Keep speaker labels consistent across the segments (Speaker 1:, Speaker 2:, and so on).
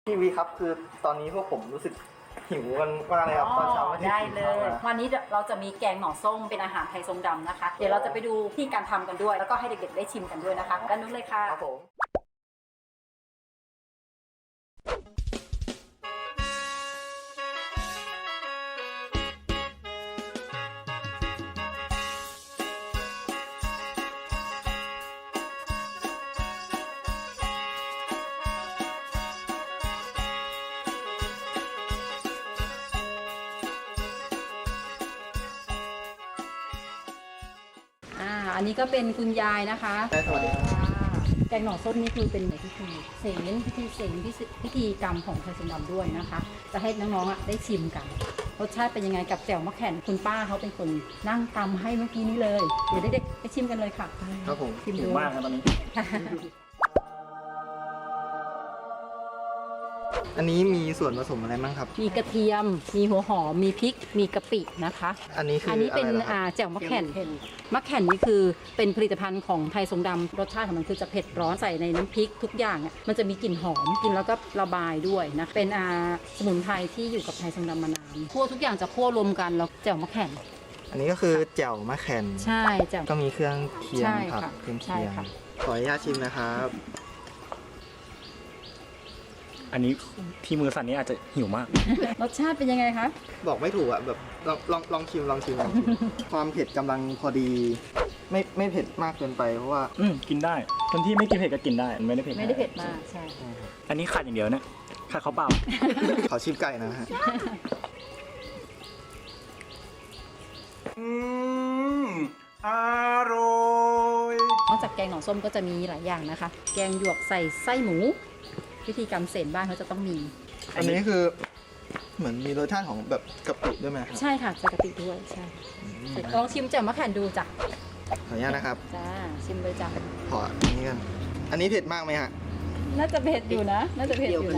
Speaker 1: พี่วีครับคือตอนนี้พวกผมรู้สึกหิวกันมากเลยครับตอนเช้าไม่ได้
Speaker 2: ได้
Speaker 1: กิน
Speaker 2: เล
Speaker 1: ข้าวย มา
Speaker 2: วันนี้เราจะมีแกงหน่อส้มเป็นอาหารไทยทรงดำนะคะ เดี๋ยวเราจะไปดูที่การทำกันด้วย แล้วก็ให้เด็กๆได้ชิมกันด้วยนะคะด้านนู้นเลยค่ะ
Speaker 1: ครับผม
Speaker 2: อันนี้ก็เป็นคุณยายนะคะ
Speaker 1: สวัสดีครับ
Speaker 2: แกงหน่อส้มนี่คือเป็นพิธีเสนพิธีกรรมของไทยทรงดำด้วยนะคะ จะให้น้องๆได้ชิมกันรสชาติเป็นยังไงกับแจ่วมะแข่นคุณป้าเขาเป็นคนนั่งตำให้เมื่อกี้นี้เลยเดี๋ยวเด็กๆไปชิมกันเลยค่ะ
Speaker 1: ครับผม
Speaker 2: ชิม
Speaker 3: หิ
Speaker 2: ดู
Speaker 3: วมากนะตอนนี้
Speaker 1: อันนี้มีส่วนผสมอะไรบ้างครับ
Speaker 2: มีกระเทียม มีหัวหอม มีพริก มีกะปินะคะ
Speaker 1: อันนี้คือ
Speaker 2: อันนี้เป็น
Speaker 1: อะไรล่ะครับ
Speaker 2: แจ่วมะแข่นมะแข่นนี่คือเป็นผลิตภัณฑ์ของไทยทรงดำรสชาติของมันคือจะเผ็ดร้อนใส่ในน้ำพริกทุกอย่างอ่ะมันจะมีกลิ่นหอมกินแล้วก็ระบายด้วยนะเป็นสมุนไพรที่อยู่กับไทยทรงดำมานานคั่วทุกอย่างจะคั่วรวมกันแล้วแจ่วมะแข่น
Speaker 1: อันนี้ก็คือแจ่วมะแข่น
Speaker 2: ใช่แจ่ว
Speaker 1: ก็มีเครื่องเคียง
Speaker 2: ใช่
Speaker 1: ผัก
Speaker 2: ค่ะ
Speaker 1: เครื่อง
Speaker 2: ใช่
Speaker 1: เคียง
Speaker 2: ค่ะ
Speaker 1: ขออนุญาตชิมนะครับ
Speaker 3: อันนี้ที่มือสั่นนี้อาจจะหิวมาก
Speaker 2: รสชาติเป็นยังไงคะ
Speaker 1: บอกไม่ถูกอ่ะแบบลองชิมความเผ็ดกำลังพอดี ไม่เผ็ดมากเกินไปเพราะว่า
Speaker 3: กินได้ คนที่ไม่กินเผ็ดก็กินได้มันไม่ได้เผ็ด
Speaker 2: ไม่ได้เผ็ดมากใช่
Speaker 3: อันนี้ขาดอย่างเดียวเนี่ยขาดข้าวเปล่า
Speaker 1: ขอชิมไก่นะฮะอร่อย
Speaker 2: นอกจากแกงหน่อส้มก็จะมีหลายอย่างนะคะ แกงหยวกใส่ไส้หมูพิธีกรรมเสนบ้านเขาจะต้องมี
Speaker 1: อันนี้คือเหมือนมีรสชาติของแบบกะปิด้วยไหมครับ
Speaker 2: ใช่ค่ะใส่กะปิด้วยใช่ลองชิมแจ่วมะแข่นดูจ้ะ
Speaker 1: ขออนุญาตนะครับ
Speaker 2: จ้าชิมเลยจ้ะ
Speaker 1: ขออันนี้กันอันนี้เผ็ดมากไหมฮะ
Speaker 2: น่าจะเผ็ดอยู่นะ น่าจะเผ็ดอยู่นะ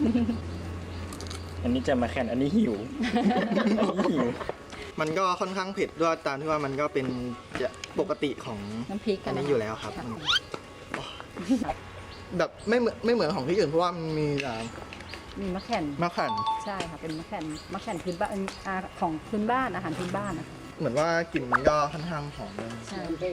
Speaker 3: อันนี้จะมาแข่นอันนี้หิว อันนี้หิว
Speaker 1: มันก็ค่อนข้างเผ็ดด้วยตามที่ว่ามันก็เป็นปกติของ
Speaker 2: น้ำพริก
Speaker 1: อันนี้
Speaker 2: ะ
Speaker 1: อยู่แล้วครับ
Speaker 2: ะ
Speaker 1: แบบไม่เหมือนของที่อื่นเพราะว่ามันมี
Speaker 2: มีมะแข่น
Speaker 1: มะขั่น
Speaker 2: ใช่ค่ะเป็นมะแข่นพื้นบ้านของพื้นบ้านอาหารพื้นบ้านนะคะ
Speaker 1: เหมือนว่ากลิ่นมันก็ค่อนข้างหอมเลย
Speaker 2: ใช่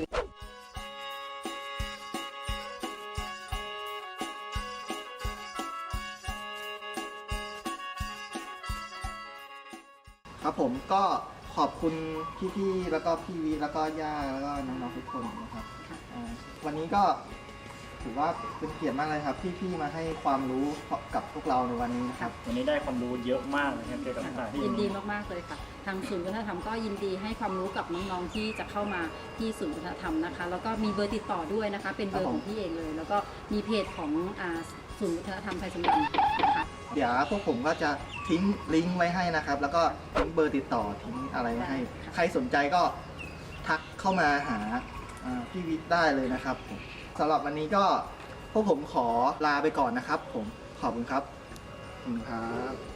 Speaker 1: ครับผมก็ขอบคุณพี่ๆแล้วก็พี่วิแล้วก็ย่าแล้วก็น้องๆทุกคนนะครับวันนี้ก็ถือว่าเป็นเกียรติมากเลยครับที่พี่มาให้ความรู้กับพวกเราในวันนี้นะครับ
Speaker 3: วันนี้ได้ความรู้เยอะมากนะครับเกี่ยวกับสถานที่
Speaker 2: ยินดีมากๆเลยค่ะ ทางศูนย์วัฒนธรรมก็ยินดีให้ความรู้กับน้องๆที่จะเข้ามาที่ศูนย์วัฒนธรรมนะคะ แล้วก็มีเบอร์ติดต่อด้วยนะคะ เป็นเบอร์ของพี่เองเลย แล้วก็มีเพจของศูนย์วัฒนธรรมไทยสมบัตินะคะ
Speaker 1: เดี๋ยวพวกผมก็จะทิ้งลิงก์ไว้ให้นะครับ แล้วก็ทิ้งเบอร์ติดต่อทิ้งอะไรไว้ให้ ใครสนใจก็ทักเข้ามาหาพี่วิทย์ได้เลยนะครับผมสำหรับวันนี้ก็พวกผมขอลาไปก่อนนะครับ ผมขอบคุณครับขอบคุณครับ